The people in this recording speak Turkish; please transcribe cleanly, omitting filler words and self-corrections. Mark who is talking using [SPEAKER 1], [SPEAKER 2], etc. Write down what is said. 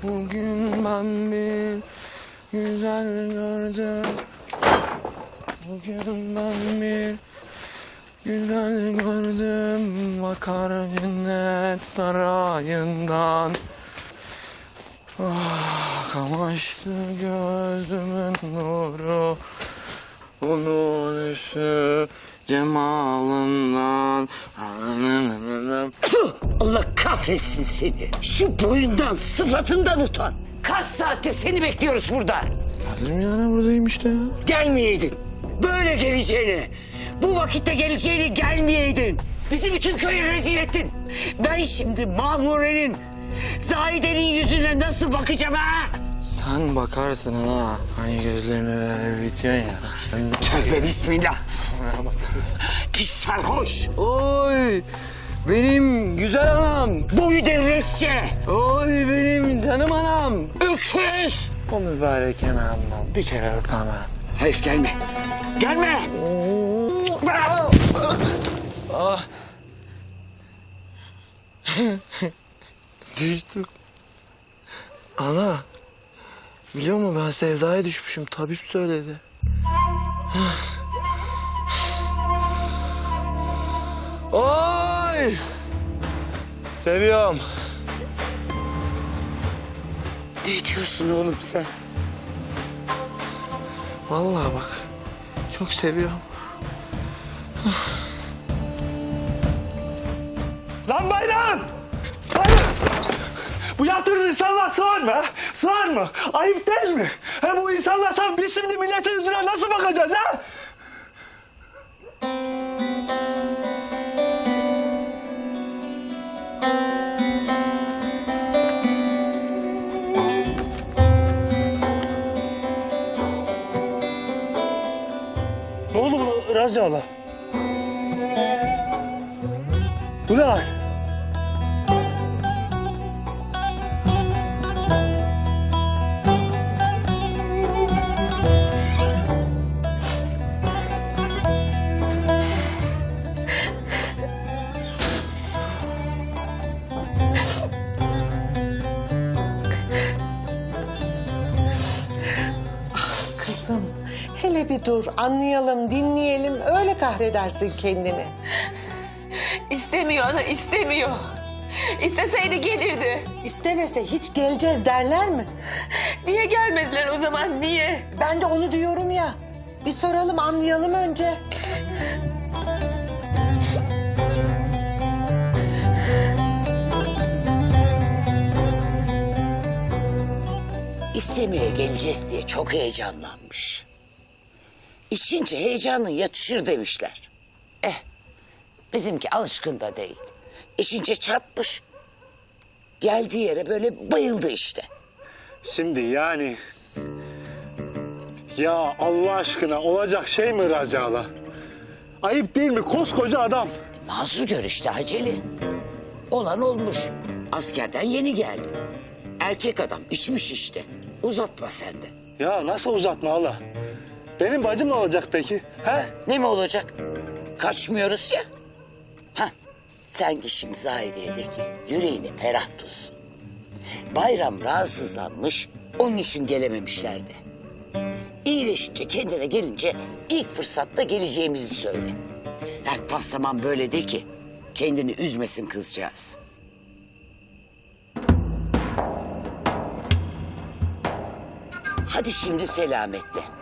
[SPEAKER 1] Bugün ben bir güzel gördüm. Bugün ben bir güzel gördüm. Bakar cennet sarayından. Ah, kamaştı gözümün nuru. Onun üstü cemalından.
[SPEAKER 2] Allah kahretsin seni. Şu boyundan, sıfatından utan. Kaç saattir seni bekliyoruz burada.
[SPEAKER 1] Geldim yani buradayım işte ya.
[SPEAKER 2] Gelmeyeydin. Böyle geleceğini, bu vakitte geleceğini gelmeyeydin. Bizi bütün köye rezil ettin. Ben şimdi Mahmure'nin, Zahide'nin yüzüne nasıl bakacağım ha?
[SPEAKER 1] Sen bakarsın ana. Hani gözlerini böyle bitiyorsun ya.
[SPEAKER 2] Tövbe bismillah. Pis sarhoş.
[SPEAKER 1] Oy! Benim güzel anam.
[SPEAKER 2] Boyu devresçe.
[SPEAKER 1] Oy benim canım anam.
[SPEAKER 2] Öküz.
[SPEAKER 1] O mübarek yanağımdan bir kere öpemem.
[SPEAKER 2] Hayır gelme. Gelme.
[SPEAKER 1] Ah. Düştüm. Ana. Biliyor musun ben sevdaya düşmüşüm. Tabip söyledi. Oy! Seviyorum.
[SPEAKER 2] Ne diyorsun oğlum sen?
[SPEAKER 1] Vallahi bak. Çok seviyorum.
[SPEAKER 3] Lan Bayram! Bayram! Bu yaptığınız insanlar sığar mı? Ha? Sığar mı? Ayıp değil mi? Hem bu insanlar sen biz şimdi milletin yüzüne nasıl bakacağız ha? Ne oldu bu Raziala? Bu ne hal?
[SPEAKER 4] Kızım, hele bir dur, anlayalım, dinleyelim, öyle kahredersin kendini.
[SPEAKER 5] İstemiyor ana, istemiyor. İsteseydi gelirdi.
[SPEAKER 4] İstemese hiç geleceğiz derler mi?
[SPEAKER 5] Niye gelmediler o zaman, niye?
[SPEAKER 4] Ben de onu diyorum ya. Bir soralım, anlayalım önce.
[SPEAKER 2] İstemeye geleceğiz diye çok heyecanlanmış. İçince heyecanın yatışır demişler. Bizimki alışkın da değil. İçince çarpmış. Geldiği yere böyle bayıldı işte.
[SPEAKER 3] Şimdi yani... Ya Allah aşkına olacak şey mi Raziala? Ayıp değil mi? Koskoca adam.
[SPEAKER 2] Mazur gör işte Haceli. Olan olmuş. Askerden yeni geldi. Erkek adam içmiş işte. Uzatma sen de.
[SPEAKER 3] Ya nasıl uzatma Allah? Benim bacım ne olacak peki? He?
[SPEAKER 2] Ne mi olacak? Kaçmıyoruz ya. Sen git şimdi Zahide'ye de ki yüreğini ferah tutsun. Bayram rahatsızlanmış, onun için gelememişlerdi. İyileşince kendine gelince ilk fırsatta geleceğimizi söyle. Tas zaman böyle de ki kendini üzmesin kızcağız. Hadi şimdi selametle.